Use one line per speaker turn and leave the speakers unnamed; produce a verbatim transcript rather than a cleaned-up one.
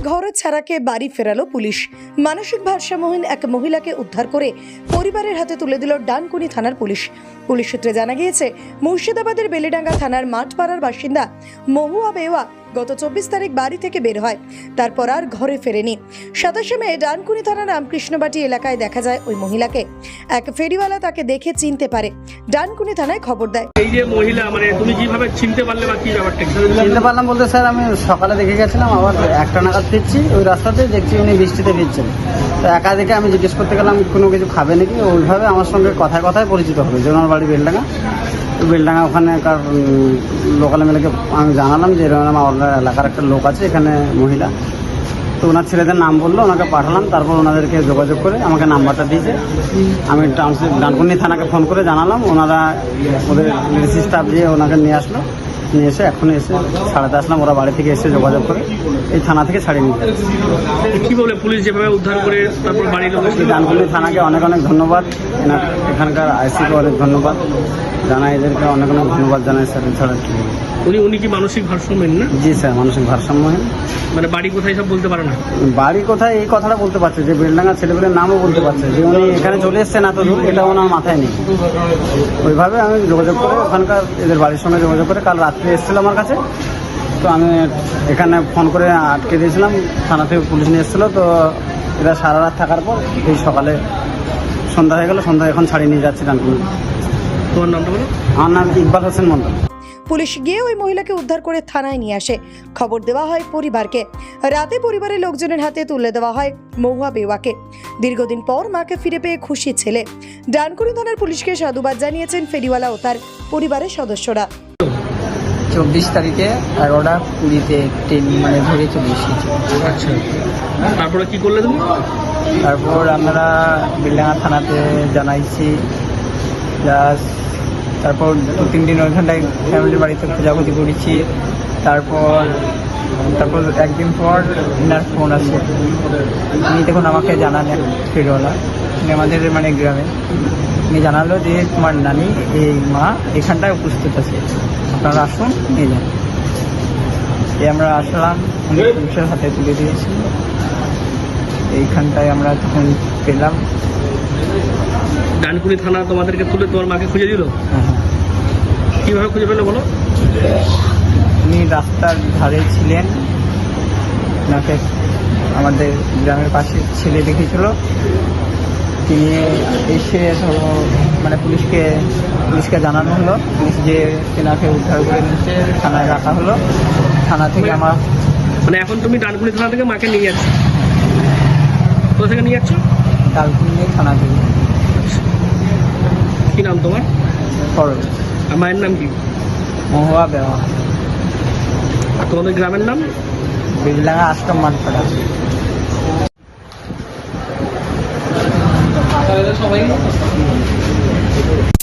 ঘর ছাড়াকে বাড়ি ফেরালো পুলিশ। মানসিক ভারসাম্যহীন এক মহিলাকে উদ্ধার করে পরিবারের হাতে তুলে দিল ডানকুনি থানার পুলিশ। পুলিশ সূত্রে জানা গিয়েছে, মুর্শিদাবাদের বেলেডাঙ্গা থানার মাঠপাড়ার বাসিন্দা মহুয়া বেওয়া গত চব্বিশ তারিখ বাড়ি থেকে বের হয়, তারপর আর ঘরে ফেরেনি। সাতাশে মে ডানকুনি থানার রামকৃষ্ণবাটি এলাকায় দেখা যায় ওই মহিলাকে। এক ফেরিওয়ালা তাকে দেখে চিনতে পারে, ডানকুনি থানায় খবর দেয়।
এই যে মহিলা, মানে তুমি কিভাবে চিনতে পারলে বা কি ব্যাপারটা?
চিনতে পারলাম বলতে স্যার, আমি সকালে দেখে গেছিলাম, আবার একটা নাগাদ ফিরছি, ওই রাস্তাতে দেখছি উনি বৃষ্টিতে ফিরছেন। তো একা দেখে আমি জিজ্ঞেস করতে গেলাম কোনো কিছু খাবে নাকি, ওইভাবে আমার সঙ্গে কথায় কথায় পরিচিত হবে যে ওনার বাড়ি বেলডাঙ্গা। বেলডাঙ্গা ওখানেকার লোকাল এমএলএকে আমি জানালাম যে এরকম আমার এলাকার একটা লোক আছে এখানে মহিলা। তো ওনার ছেলেদের নাম বললো, ওনাকে পাঠালাম, তারপর ওনাদেরকে যোগাযোগ করে আমাকে নাম্বারটা দিয়েছে। আমি টাউনশিপ ডানকুনি থানাকে ফোন করে জানালাম, ওনারা ওদের ডিসি স্টাফ দিয়ে ওনাকে নিয়ে আসলো। নিয়ে এসে এখন এসে ছাড়াতে আসলাম, ওরা বাড়ি থেকে এসে যোগাযোগ করে এই থানা থেকে ছাড়িয়ে নিয়ে যাচ্ছে।
কি বলে পুলিশ যেভাবে উদ্ধার করে তারপর বাড়ির লোক?
ডানকুনি থানাকে অনেক অনেক ধন্যবাদ, এখানকার আইসিকে অনেক ধন্যবাদ জানাই, এদেরকে অনেক অনেক ধন্যবাদ জানাই স্যার। এছাড়া কি
উনি উনি কি মানসিক ভারসাম্যহীন না?
জি স্যার, মানসিক ভারসাম্যহীন।
মানে বাড়ি কোথায় সব বলতে পারে না?
বাড়ি কোথায় এই কথাটা বলতে পারছে, যে বেলডাঙ্গা ছেলেগুলোর নামও বলতে পারছে, যে উনি এখানে চলে এসছেন এত দূর, এটা ওনার মাথায় নেই। ওইভাবে আমি যোগাযোগ করে ওখানকার এদের বাড়ির সঙ্গে যোগাযোগ করে কাল রাত্রে এসেছিল আমার কাছে। তো আমি এখানে ফোন করে আটকে দিয়েছিলাম, থানা থেকে পুলিশ নিয়ে এসেছিলো। তো এরা সারা রাত থাকার পর এই সকালে সন্ধ্যা হয়ে গেল, সন্ধ্যা এখন ছাড়িয়ে নিয়ে যাচ্ছি ডানকুনি।
তোমার নামটা বলো?
আমার নাম ইকবাল হোসেন মন্ডল।
পুলিশ গিয়ে ওই মহিলাকে উদ্ধার করে থানায় নিয়ে আসে। খবর দেওয়া হয় পরিবারকে। রাতে পরিবারের লোকজনের হাতে তুলে দেওয়া হয় মহুয়া বেওয়াকে। দীর্ঘদিন পর মাকে ফিরে পেয়ে খুশি ছেলে। ডানকুনি থানার পুলিশকে সাধুবাদ জানিয়েছেন ফেরিওয়ালা ও তার পরিবারের সদস্যরা।
চব্বিশ তারিখে এগারোটা কুড়িতে ট্রেন মানে ধরে চলে এসেছি।
আচ্ছা, তারপরে কি করলে তুমি?
তারপর আমরা বেলডাঙ্গা থানাতে জানাইছি, প্লাস তারপর দু তিন দিন ওইখানটায় ফ্যামিলির বাড়িতে খোঁজাখুঁজি করেছি। তারপর তারপর একদিন পর ইনার ফোন আসে, উনি দেখুন আমাকে জানান এক ফেরিওয়ালা, উনি আমাদের মানে গ্রামে, উনি জানালো যে তোমার নানি এই মা এখানটায় উপস্থিত আছে, আপনারা আসুন নিয়ে যান। এই আমরা আসলাম, উনি পুলিশের হাতে তুলে দিয়েছি। এইখানটায় আমরা তখন পেলাম।
ডানকুনি থানা তোমাদেরকে তুলে তোমার মাকে খুঁজে দিল?
হ্যাঁ,
কিভাবে খুঁজে পেলে বলো?
উনি রাস্তার ধারে ছিলেন, ওনাকে আমাদের গ্রামের পাশে ছেলে দেখেছিল, তিনি এসে ধরো মানে পুলিশকে পুলিশকে জানানো হলো, পুলিশ যে তেনাকে উদ্ধার করে নিচ্ছে, থানায় রাখা হলো। থানা থেকে আমার
মানে এখন তুমি ডানকুনি থানা থেকে মাকে নিয়ে যাচ্ছ? কোথা থেকে নিয়ে যাচ্ছ?
ডানকুনি থানা থেকে।
কি নাম তোমার?
খরচ।
আর মায়ের নাম কি?
মহুয়া বেওয়া।
আর তোমাদের গ্রামের নাম?
বেলডাঙ্গা আশ্রম মাঠপাড়া।
সবাই